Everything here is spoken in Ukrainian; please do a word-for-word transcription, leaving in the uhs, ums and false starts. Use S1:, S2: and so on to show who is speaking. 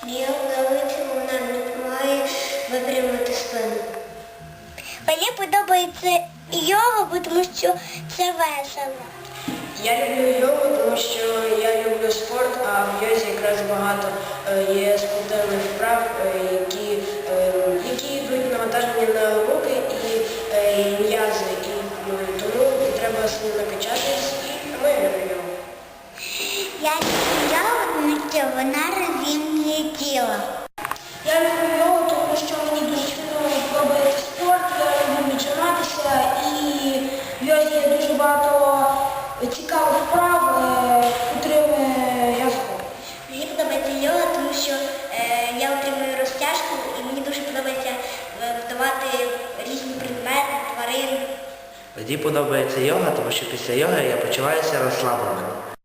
S1: Йога вона не допомагає випрямити спину. Мені подобається йога, тому що це весело.
S2: Я люблю йогу, тому що я люблю спорт, а в йозі якраз багато е, є спортивних вправ, е, які, е, які йдуть навантаження на руки і е, і м'язи. І, ну, тому треба сильно накачатись, і тому я люблю йогу.
S1: Я люблю йогу, тому що вона розімнює тіло.
S2: Я люблю йогу, тому що мені дуже сильно подобається спорт, я люблю віджиматися, і в йозі є дуже багато цікавих вправ, е, котрими я захоплююсь.
S1: Мені подобається йога, тому що е, я отримую розтяжку і мені дуже подобається е, вдавати різні предмети, тварин.
S3: Мені подобається йога, тому що після йоги я почуваюся розслабленим.